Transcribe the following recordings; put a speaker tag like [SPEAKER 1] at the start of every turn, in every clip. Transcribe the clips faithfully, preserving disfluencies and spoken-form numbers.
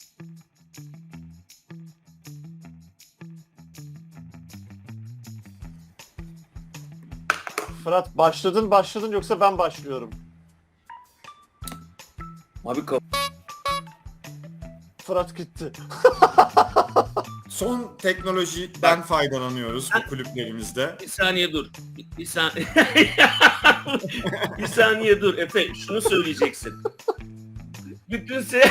[SPEAKER 1] Fırat başladın başladın yoksa ben başlıyorum.
[SPEAKER 2] Abi ka-
[SPEAKER 1] Fırat gitti.
[SPEAKER 3] Son teknolojiden faydalanıyoruz bu kulüplerimizde.
[SPEAKER 2] bir saniye dur. Bir, bir saniye. bir saniye dur Efe, şunu söyleyeceksin. Bütün se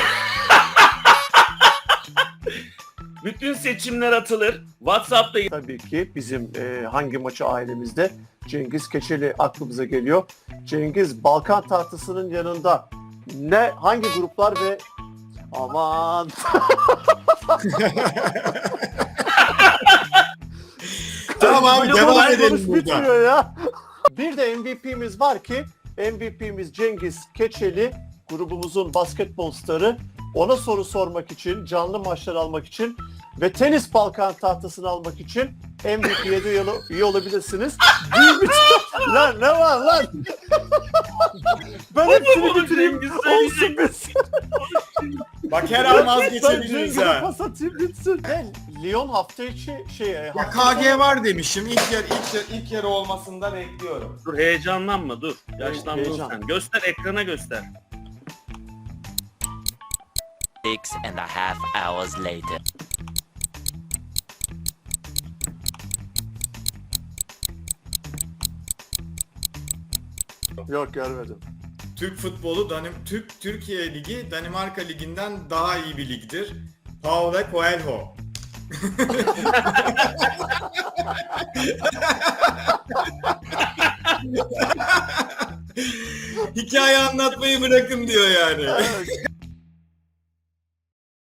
[SPEAKER 2] Bütün seçimler atılır. WhatsApp'ta
[SPEAKER 1] Tabii ki bizim e, hangi maçı ailemizde Cengiz Keçeli aklımıza geliyor. Cengiz Balkan tahtasının yanında ne hangi gruplar ve aman
[SPEAKER 3] Tamam abi
[SPEAKER 1] Böyle
[SPEAKER 3] devam
[SPEAKER 1] konuş-
[SPEAKER 3] edelim
[SPEAKER 1] konuş
[SPEAKER 3] burada.
[SPEAKER 1] bitmiyor ya. Bir de M V P'miz var ki M V P'miz Cengiz Keçeli, grubumuzun basketbol starı. Ona soru sormak için, canlı maçlar almak için ve tenis Balkan tahtasını almak için M V P'ye de üye, üye olabilirsiniz. Bir bütün... lan ne var lan? Ben hepsini
[SPEAKER 2] bunu
[SPEAKER 1] bitireyim.
[SPEAKER 2] Cengiz
[SPEAKER 1] Olsun
[SPEAKER 2] söyleyecek.
[SPEAKER 1] bitsin.
[SPEAKER 3] Bak her an
[SPEAKER 1] Ben
[SPEAKER 3] vazgeçebiliriz
[SPEAKER 1] Cengiz'e
[SPEAKER 3] ha.
[SPEAKER 1] pas atayım bitsin. Ne? Lyon hafta içi şey...
[SPEAKER 3] Ya
[SPEAKER 1] hafta
[SPEAKER 3] K G var demişim. İlk yer ilk yer ilk yarı olmasından ekliyorum.
[SPEAKER 2] dur, heyecanlanma dur. Yaşlandın
[SPEAKER 1] Heyecan.
[SPEAKER 2] sen. Göster, ekrana göster.
[SPEAKER 4] Six and a half hours later.
[SPEAKER 1] Yok görmedim.
[SPEAKER 3] Türk futbolu Danim Türk Türkiye Ligi Danimarka Ligi'nden daha iyi bir ligdir. Paulo Coelho. Hikaye anlatmayı bırakın diyor yani.
[SPEAKER 1] Evet.